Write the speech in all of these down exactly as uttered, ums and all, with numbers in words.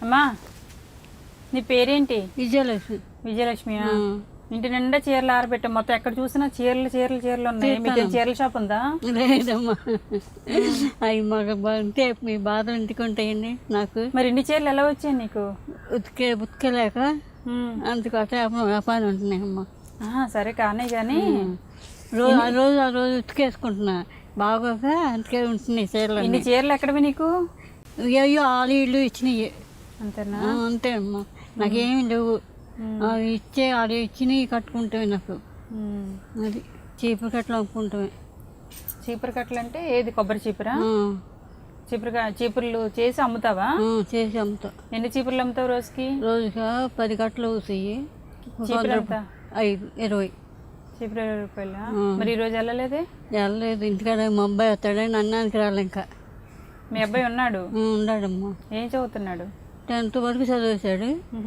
అమ్మా నీ పేరేంటి? విజయలక్ష్మి. విజయలక్ష్మి. ఇంటి నిండా చీరలు ఆరబెట్టాం, మొత్తం ఎక్కడ చూసినా చీరలు చీరలు చీరలు ఉన్నాయి. మీకు చీరల షాప్ ఉందా? లేదమ్మా, అవి మాకు ఉంటే మీ బాధలు ఇంటికి ఉంటాయండి. నాకు మరి ఇన్ని చీరలు ఎలా వచ్చాయి నీకు? ఉతికే ఉతికలేక అందుకు అట్లా వ్యాపారం ఉంటున్నాయమ్మా. సరే కానీ కానీ రోజు ఆ రోజు ఆ రోజు ఉతికేసుకుంటున్నా బాగోక అందుకే ఉంటున్నాయి చీరలు. ఇన్ని చీరలు ఎక్కడవి నీకు? అయ్యో ఆలు ఇల్లు ఇచ్చినాయి అంతేనా? అంతే అమ్మా, నాకేమి లేవు. ఇచ్చే ఆలు ఇచ్చినవి కట్టుకుంటామే. నాకు అది చీపురు కట్టలు అమ్ముకుంటామే. చీపురు కట్టలు అంటే ఏది? కొబ్బరి చీపురా? చీపురు చీపుర్లు చేసి అమ్ముతావా? చేసి అమ్ముతా. ఎన్ని చీపుర్లు అమ్ముతావు రోజుకి? రోజుగా పది కట్టలు అవుతాయి. ఐదు ఇరవై చీపురు ఇరవై రూపాయల. మరి ఈరోజు వెళ్ళలేదే? వెళ్ళలేదు, ఇంటికాడ మా అబ్బాయి వస్తాడని అన్నానికి రాలే. ఇంకా మీ అబ్బాయి ఉన్నాడు? ఉన్నాడమ్మా. ఏం చదువుతున్నాడు? టెన్త్ వరకు చదివేశాడు.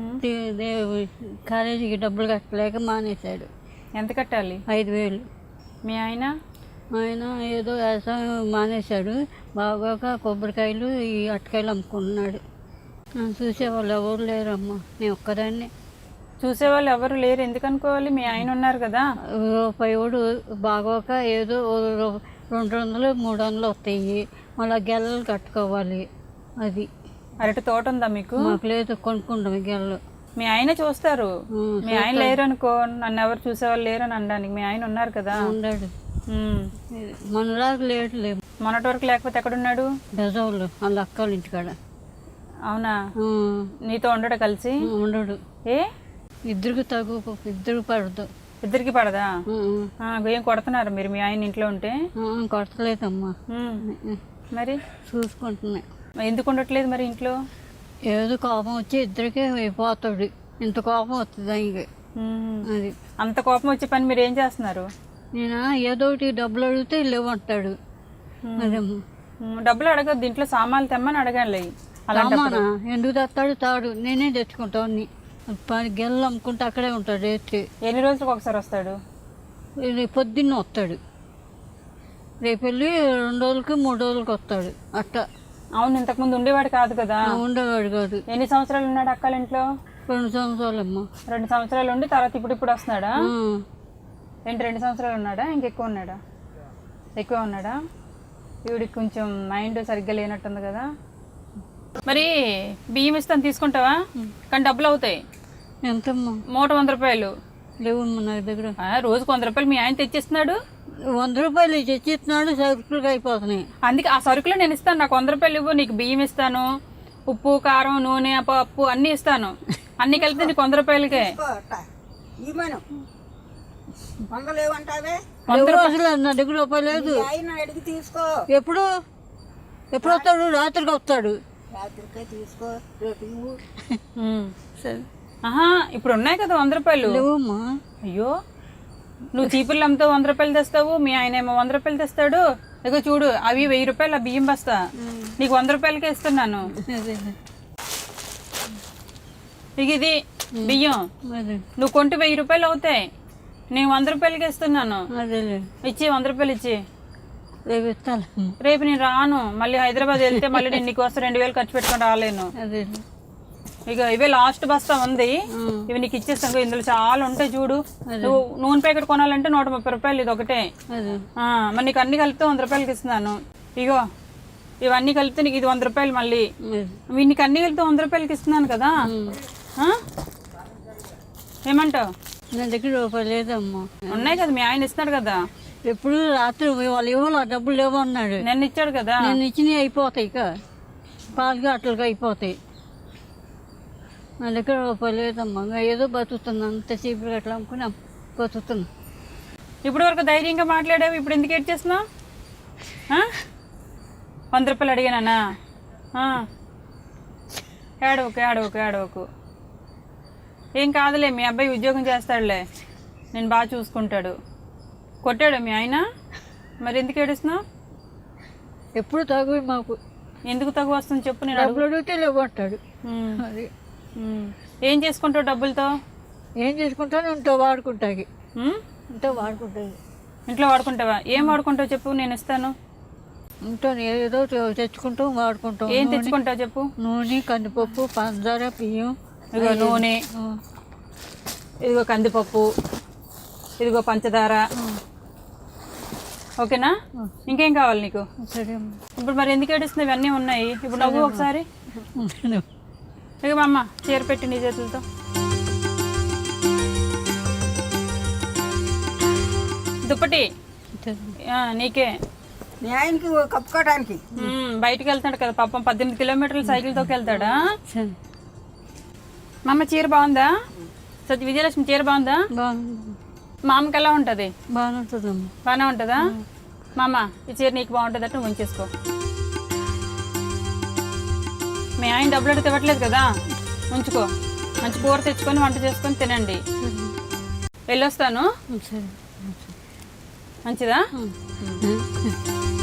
కాలేజీకి డబ్బులు కట్టలేక మానేశాడు. ఎంత కట్టాలి? ఐదు వేలు. మీ ఆయన? ఆయన ఏదో వ్యవసాయం మానేశాడు. బాగోక కొబ్బరికాయలు ఈ అట్టకాయలు అమ్ముకుంటున్నాడు. చూసేవాళ్ళు ఎవరు లేరమ్మా, నేను ఒక్కదాన్ని. చూసేవాళ్ళు ఎవరు లేరు ఎందుకు అనుకోవాలి? మీ ఆయన ఉన్నారు కదా. రూపాయి వాడు బాగోక ఏదో రెండు వందలు మూడు వందలు వస్తాయి. మళ్ళీ గెల్లలు కట్టుకోవాలి. అది అరటి తోట ఉందా మీకు? మాకు లేదు, కొనుక్కుంటాం గెల్లలు. మీ ఆయన చూస్తారు. మీ ఆయన లేరు అనుకో, నన్ను ఎవరు చూసేవాళ్ళు లేరు అని అనడానికి. మీ ఆయన ఉన్నారు కదా. ఉన్నాడు. మనలాగా లేడు. లేదు మొన్నటి వరకు. లేకపోతే ఎక్కడున్నాడు? బెజవాళ్ళు వాళ్ళ అక్కల ఇంటికాడ. అవునా? నీతో ఉండడు కలిసి? ఉండడు. ఏ ఇద్దరికి తగు, ఇద్దరికి పడదు. ఇద్దరికి పడదా? ఏం కొడుతున్నారు మీరు మీ ఆయన ఇంట్లో ఉంటే? కొడతలేదమ్మా. మరి చూసుకుంటున్నా. ఎందుకు ఉండట్లేదు మరి ఇంట్లో? ఏదో కోపం వచ్చి ఇద్దరికే అయిపోతాడు. ఇంత కోపం వస్తుంది ఆయనకి. అది అంత కోపం వచ్చే పని మీరు ఏం చేస్తున్నారు? నేను ఏదో ఒకటి డబ్బులు అడిగితే లేవంటాడు. అదేమ్మా. డబ్బులు అడగద్దు, ఇంట్లో సామాన్లు తెమ్మని అడగాలి. అలానా? ఎందుకు తెస్తాడు? తాడు నేనే తెచ్చుకుంటాను. పని గెల్లు అమ్ముకుంటే అక్కడే ఉంటాడు. ఎత్తి ఎన్ని రోజులకు ఒకసారి వస్తాడు? పొద్దున్న వస్తాడు. రేపు వెళ్ళి రెండు రోజులకి మూడు రోజులకి వస్తాడు అట్ట. అవును, ఇంతకుముందు ఉండేవాడు కాదు కదా. ఉండేవాడు కాదు. ఎన్ని సంవత్సరాలు ఉన్నాడు అక్కల ఇంట్లో? రెండు సంవత్సరాలు అమ్మా. రెండు సంవత్సరాలు ఉండి తర్వాత ఇప్పుడు ఇప్పుడు వస్తున్నాడా? ఏంటి రెండు సంవత్సరాలు ఉన్నాడా? ఇంకెక్కువ ఉన్నాడా? ఎక్కువ ఉన్నాడా? ఈవిడికి కొంచెం మైండ్ సరిగ్గా లేనట్టుంది కదా. మరి బియ్యం ఇస్తాను తీసుకుంటావా? కానీ డబ్బులు అవుతాయి. ఎంతమ్మా? మూట వంద రూపాయలు. లేవమ్మా నా దగ్గర. రోజుకు వంద రూపాయలు మీ ఆయన తెచ్చిస్తున్నాడు. వంద రూపాయలు తెచ్చిస్తున్నాడు, సరుకులు అయిపోతున్నాయి. అందుకే ఆ సరుకులు నేను ఇస్తాను. నాకు వంద రూపాయలు ఇవ్వు, నీకు బియ్యం ఇస్తాను, ఉప్పు కారం నూనె పప్పు అన్నీ ఇస్తాను. అన్ని కలిపితే నీకు వంద రూపాయలకే. వంద రోజులు నా దగ్గర రూపాయలు లేదు. ఎప్పుడు ఎప్పుడు వస్తాడు? రాత్రికి వస్తాడు. సరే. ఆహా, ఇప్పుడు ఉన్నాయి కదా వంద రూపాయలు. లేవమ్మా. అయ్యో, నువ్వు చీపుర్లు అమ్ముతావు, వంద రూపాయలు తెస్తావు. మీ ఆయన ఏమో వంద రూపాయలు తెస్తాడు. ఇక చూడు, అవి వెయ్యి రూపాయలు. ఆ బియ్యం బస్తా నీకు వంద రూపాయలకే ఇస్తున్నాను. ఇక ఇది బియ్యం నువ్వు కొంటే వెయ్యి రూపాయలు అవుతాయి. నేను వంద రూపాయలకే ఇస్తున్నాను. ఇచ్చి వంద రూపాయలు ఇచ్చి. రేపు ఇస్తాను. రేపు నేను రాను. మళ్ళీ హైదరాబాద్ వెళ్తే మళ్ళీ నేను నీకు వస్తే రెండు వేలు ఖర్చు పెట్టుకొని రాలేను. ఇక ఇవే లాస్ట్ బస్తా ఉంది, ఇవి నీకు ఇచ్చేస్తాను. ఇందులో చాలా ఉంటాయి చూడు. నువ్వు నూనె ప్యాకెట్ కొనాలంటే నూట ముప్పై రూపాయలు, ఇది ఒకటే. మరి నీకు అన్ని కలిపితే వంద రూపాయలకి ఇస్తున్నాను. ఇగో ఇవన్నీ కలిపితే నీకు ఇది వంద రూపాయలు. మళ్ళీ నీకు అన్ని కలిపితే వంద రూపాయలకి ఇస్తున్నాను కదా. ఏమంటావు? నా దగ్గర రూపాయలు లేదమ్మా. ఉన్నాయి కదా, మీ ఆయన ఇస్తున్నాడు కదా. ఎప్పుడు రాత్రి వాళ్ళు ఇవ్వాలి, ఆ డబ్బులు లేవు అన్నాడు. నేను ఇచ్చాడు కదా. నేను ఇచ్చినవి అయిపోతాయి. ఇక పాలుగా అట్లుగా అయిపోతాయి. నా దగ్గర రూపాయలు లేదమ్మా. ఏదో బతుకుతున్నా, అంత చీపురు అట్లా అమ్ముకుని బతుకుతున్నా. ఇప్పుడు వరకు ధైర్యంగా మాట్లాడావు, ఇప్పుడు ఎందుకు ఏడ్ చేస్తున్నావు? వంద రూపాయలు అడిగానా? ఏడవకు ఏడవకు ఏడవకు. ఏం కాదులే, మీ అబ్బాయి ఉద్యోగం చేస్తాడులే, నేను బాగా చూసుకుంటాడు. కొట్టాడు మీ ఆయన? మరి ఎందుకు ఏడుస్తున్నావు? ఎప్పుడు తగు మాకు. ఎందుకు తగు వస్తుంది చెప్పు. నేను డబ్బులు అడిగితే లేవంటాడు. అది ఏం చేసుకుంటావు డబ్బులతో? ఏం చేసుకుంటాను? ఇంట్లో వాడుకుంటాకి. ఇంట్లో వాడుకుంటాయి. ఇంట్లో వాడుకుంటావా? ఏం వాడుకుంటావు చెప్పు, నేను ఇస్తాను. ఉంటాను ఏదో తెచ్చుకుంటాం వాడుకుంటాం. ఏం తెచ్చుకుంటావు చెప్పు. నూనె, కందిపప్పు, పంచదార, బియ్యం. ఇదిగో నూనె, ఆ, ఇదిగో కందిపప్పు, ఇదిగో పంచదార. ఓకేనా? ఇంకేం కావాలి నీకు? సరే అమ్మ. ఇప్పుడు మరి ఎందుకు ఏడుస్తున్నావు? ఇవన్నీ ఉన్నాయి. ఇప్పుడు నవ్వు ఒకసారి. ఉంటాను. ఇక మా అమ్మ చీర పెట్టి నీ చేతులతో. దుప్పటి ఆ, నీకే. మీ ఆయనకి కప్పుకోవడానికి మ్మ్, బయటికి వెళ్తాడు కదా పాపం, పద్దెనిమిది కిలోమీటర్లు సైకిల్ తోకి వెళ్తాడా. సరే. మా అమ్మ చీర బాగుందా? సత్య విజయలక్ష్మి చీర బాగుందా? బాగుంది. మా అమ్మకి ఎలా ఉంటుంది? బాగానే ఉంటుందమ్మా. బాగానే ఉంటుందా? మా అమ్మ ఈ చీర నీకు బాగుంటుంది అంటే ఉంచేసుకో. మీ ఆయన డబ్బులు అడిగితే ఇవ్వట్లేదు కదా, ఉంచుకో. మంచి కూర తెచ్చుకొని వంట చేసుకొని తినండి. వెళ్ళొస్తాను. సరే. మంచిదా? ఉం.